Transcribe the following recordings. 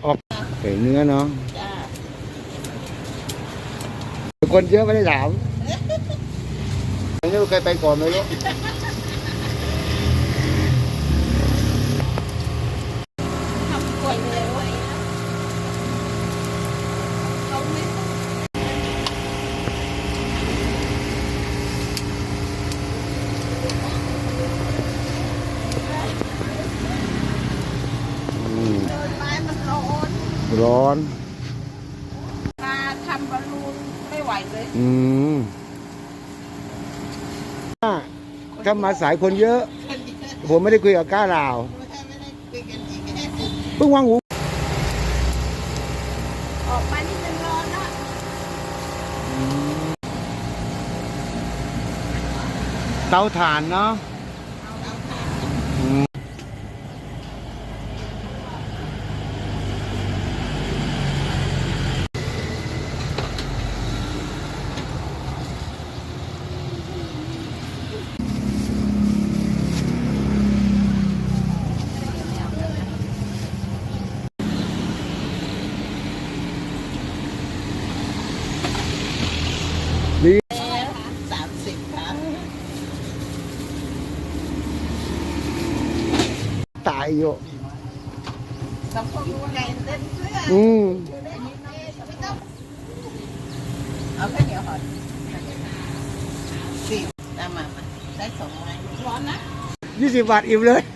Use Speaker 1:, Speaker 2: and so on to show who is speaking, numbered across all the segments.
Speaker 1: ออกไก่เนื้อเนาะ
Speaker 2: จ้า
Speaker 1: คนเยอะไม่ได้ถามอันนี้เคยไปก่อนไหมลูก
Speaker 2: ทำกล้วยเลยไว้เขาไม่
Speaker 1: อืม
Speaker 2: เดินไปมันร้อน
Speaker 1: ร้อน
Speaker 2: มาทำบอลลูนไม่ไหวเลย
Speaker 1: อืมถ้ามาสายคนเยอะ ผมไม่ได้คุยกับก้าลาว
Speaker 2: ไม่ได้คุยกันอีก
Speaker 1: เพิ่งวางหู
Speaker 2: ออกมานี่มันร้อนนะ
Speaker 1: เตาถ่านเนาะอืมดี
Speaker 2: แล้ว30ค่ะ
Speaker 1: ตายอยู่
Speaker 2: สองคนรู้ไงเต้นเสื้อ
Speaker 1: อืม
Speaker 2: ไม่ต้องเอาแค่เดี๋ยวหอดสิมาได้2 ไม้ร้อนนะ
Speaker 1: 20 บาทอิ่มเลย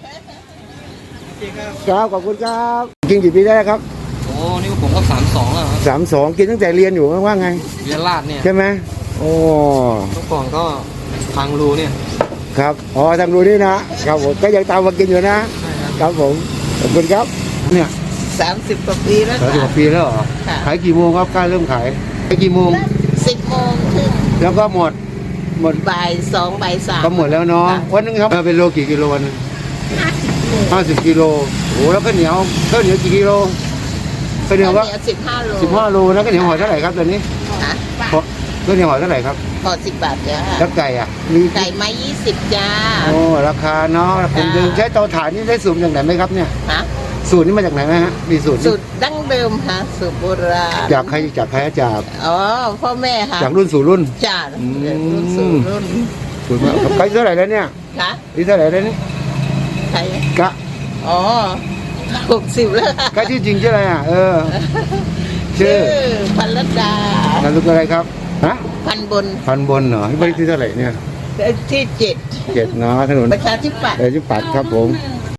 Speaker 1: ครับขอบคุณครับกินกี่ปีได้แล้วครับ
Speaker 3: โอ้นี่ผมก็32แล้วครับ
Speaker 1: 32กินตั้งแต่เรียนอยู่ว่าไง
Speaker 3: เรียนลาดเนี่ย
Speaker 1: ใช่ไหมโอ้
Speaker 3: เมื่อก่อนก็ทางรูเนี่ย
Speaker 1: ครับอ๋อทางดูนี่นะครับผมก็ยังตามมากินอยู่นะ
Speaker 3: ใช่ครับ
Speaker 1: ครับผมขอบคุณครับเนี่ย
Speaker 2: 30 กว่าปีแล้ว
Speaker 1: 30กว่าปีแล้วเหรอ
Speaker 2: ค่ะ
Speaker 1: ขายกี่โมงครับกล้าเริ่มขายขายกี่โมง
Speaker 2: 10 โมงถึง
Speaker 1: แล้วก็หมด
Speaker 2: บ่าย 2 บ่าย 3
Speaker 1: ก็หมดแล้วเนาะวันนึงครับเป็นโลกี่กิโลวันนึง50 กิโลโอ้แล้วข้าวเหนียวกี่กิโลข้าวเหนียวก็
Speaker 2: 15 โล
Speaker 1: 15 โลนะข้าวเหนียวห่อเท่าไหร่ครับตอนนี้
Speaker 2: ฮะ
Speaker 1: ข้าวเหนียวห่อเท่าไหร่ครับ
Speaker 2: พอ10 บาทจ้า
Speaker 1: แล้วไก่อ่ะมี
Speaker 2: ไก่ไม้20จ้า
Speaker 1: โอ้ราคาเนาะผมเดิมใช้เตาถ่านนี่ได้สูตรจากไหนไหมครับเนี่ย
Speaker 2: ฮะ
Speaker 1: สูตรนี้มาจากไหนไหมฮะมีสูตร
Speaker 2: สูตรดั้งเดิมค่ะสูตรโบราณ
Speaker 1: จากใครจาก
Speaker 2: อ๋อพ่อแม่ค่ะ
Speaker 1: จากรุ่นสู่รุ่น
Speaker 2: จ้า
Speaker 1: อืม
Speaker 2: รุ่นสู่รุ่น
Speaker 1: สูตรมาครับไก่เท่าไหร่แล้วเนี่ย
Speaker 2: ค่ะ
Speaker 1: นี่เท่าไหร่แล้วนี่
Speaker 2: ใคร
Speaker 1: กะ
Speaker 2: อ๋อ60แล้วค่ะ
Speaker 1: กะชื่อจริงชื่ออะไรอ่ะชื่อ
Speaker 2: พันรัตดาน
Speaker 1: ามสกุลอะไรครับฮะ
Speaker 2: พันบน
Speaker 1: พันบนเหรอที่บ้านเลขที่เท่าไหร่เนี่ย
Speaker 2: ที่7
Speaker 1: 7เนาะถนน
Speaker 2: ประชาธิปัตย์
Speaker 1: ที่ปัดครับผม